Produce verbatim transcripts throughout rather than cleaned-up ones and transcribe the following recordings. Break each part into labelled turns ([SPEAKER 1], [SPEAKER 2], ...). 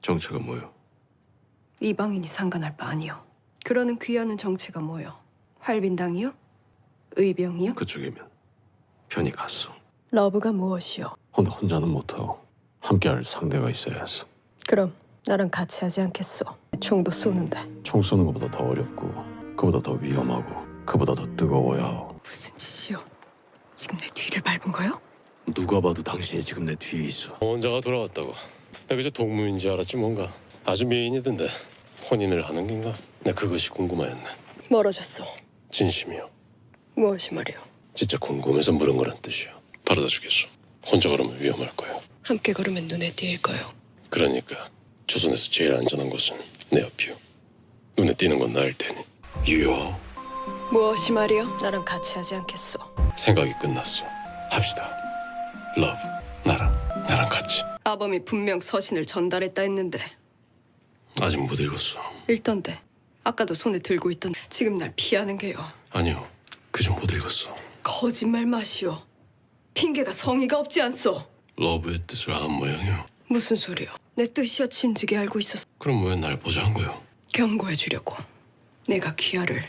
[SPEAKER 1] 정체가 뭐요?
[SPEAKER 2] 이방인이 상관할 바 아니요. 그러는 귀하는 정체가 뭐요? 활빈당이요? 의병이요?
[SPEAKER 1] 그쪽이면 편히 갔어.
[SPEAKER 2] 러브가 무엇이요?
[SPEAKER 1] 혼자 혼자는 못하고 함께할 상대가 있어야 해서.
[SPEAKER 2] 그럼 나랑 같이 하지 않겠소? 총도 쏘는데.
[SPEAKER 1] 총 쏘는 것보다 더 어렵고 그보다 더 위험하고 그보다 더 뜨거워야 하고.
[SPEAKER 2] 무슨 짓이요? 지금 내 뒤를 밟은 거요?
[SPEAKER 1] 누가 봐도 당신이 지금 내 뒤에 있어.
[SPEAKER 3] 원자가 돌아왔다고. 나 그저 동무인지 알았지 뭔가. 아주 미인이던데. 혼인을 하는 건가? 나 그것이 궁금하였네.
[SPEAKER 2] 멀어졌소.
[SPEAKER 3] 진심이요.
[SPEAKER 2] 무엇이 말이요?
[SPEAKER 3] 진짜 궁금해서 물은 거란 뜻이요. 바라다 주겠소. 혼자 걸으면 위험할 거요.
[SPEAKER 2] 함께 걸으면 눈에 띄일 거요.
[SPEAKER 3] 그러니까 조선에서 제일 안전한 곳은 내 옆이요. 눈에 띄는 건 나일 테니. 유효.
[SPEAKER 2] 무엇이 말이요? 나랑 같이 하지 않겠소?
[SPEAKER 3] 생각이 끝났어. 합시다. 러브. 나랑. 나랑 같이.
[SPEAKER 2] 아범이 분명 서신을 전달했다 했는데
[SPEAKER 3] 아직 못 읽었어.
[SPEAKER 2] 읽던데. 아까도 손에 들고 있던. 지금 날 피하는 게요.
[SPEAKER 3] 아니요. 그좀 못 읽었어.
[SPEAKER 2] 거짓말 마시오. 핑계가 성의가 없지 않소?
[SPEAKER 3] 러브의 뜻을 안 모양이요.
[SPEAKER 2] 무슨 소리요? 내 뜻이야 진즉에 알고 있었어.
[SPEAKER 3] 그럼 왜 날 보자 한 거요?
[SPEAKER 2] 경고해 주려고. 내가 귀하를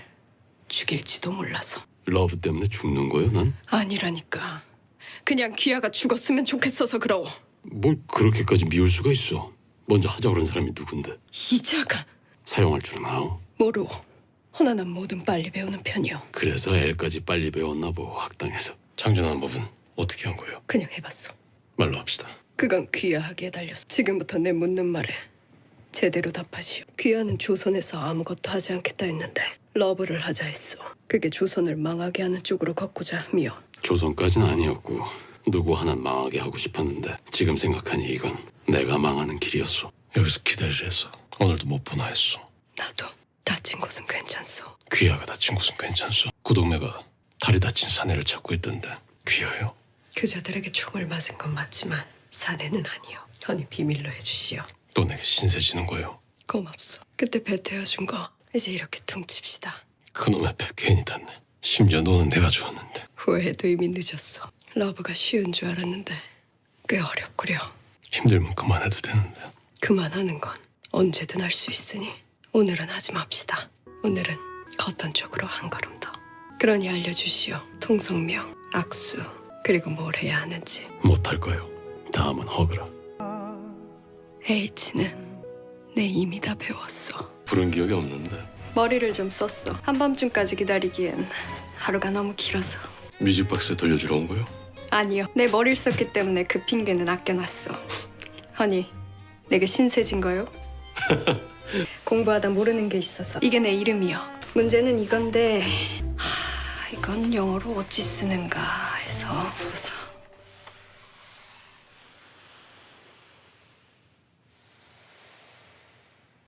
[SPEAKER 2] 죽일지도 몰라서.
[SPEAKER 3] 러브 때문에 죽는 거요, 난?
[SPEAKER 2] 아니라니까. 그냥 귀하가 죽었으면 좋겠어서 그러오.
[SPEAKER 3] 뭘 그렇게까지 미울 수가 있어. 먼저 하자 그런 사람이 누군데?
[SPEAKER 2] 이자가
[SPEAKER 3] 사용할 줄은 아오.
[SPEAKER 2] 모르오. 허나 난 뭐든 빨리 배우는 편이오.
[SPEAKER 3] 그래서 L까지 빨리 배웠나 보, 학당에서. 창준하는 법은 어떻게 한 거예요?
[SPEAKER 2] 그냥 해봤소.
[SPEAKER 3] 말로 합시다.
[SPEAKER 2] 그건 귀하하게 달렸어. 지금부터 내 묻는 말에 제대로 답하시오. 귀하는 조선에서 아무것도 하지 않겠다 했는데 러브를 하자 했소. 그게 조선을 망하게 하는 쪽으로 걷고자 함이오.
[SPEAKER 3] 조선까지는 아니었고 누구 하나 망하게 하고 싶었는데 지금 생각하니 이건 내가 망하는 길이었어. 여기서 기다리려 했어. 오늘도 못 보나 했어.
[SPEAKER 2] 나도 다친 곳은 괜찮소.
[SPEAKER 3] 귀하가 다친 곳은 괜찮소. 구동매가 다리 다친 사내를 찾고 있던데 귀하요?
[SPEAKER 2] 그자들에게 총을 맞은 건 맞지만 사내는 아니오. 현이 비밀로 해주시오.
[SPEAKER 3] 또 내게 신세 지는 거요.
[SPEAKER 2] 고맙소. 그때 배태워준 거 이제 이렇게 퉁칩시다.
[SPEAKER 3] 그놈의 배 괜히 탔네. 심지어 너는 내가 좋았는데.
[SPEAKER 2] 후회도 이미 늦었어. 러브가 쉬운 줄 알았는데 꽤 어렵구려.
[SPEAKER 3] 힘들면 그만해도 되는데.
[SPEAKER 2] 그만하는 건 언제든 할 수 있으니 오늘은 하지 맙시다. 오늘은 걷던 쪽으로 한 걸음 더. 그러니 알려주시오. 통성명, 악수, 그리고 뭘 해야 하는지.
[SPEAKER 3] 못할 거요. 다음은 허그라.
[SPEAKER 2] H는 내 이미 다 배웠어.
[SPEAKER 3] 부른 기억이 없는데.
[SPEAKER 2] 머리를 좀 썼어. 한밤중까지 기다리기엔 하루가 너무 길어서.
[SPEAKER 3] 뮤직박스에 돌려주러 온 거요?
[SPEAKER 2] 아니요. 내 머리를 썼기 때문에 그 핑계는 아껴놨어. 허니, 내게 신세진 거요? 공부하다 모르는 게 있어서. 이게 내 이름이요. 문제는 이건데 하, 이건 영어로 어찌 쓰는가 해서.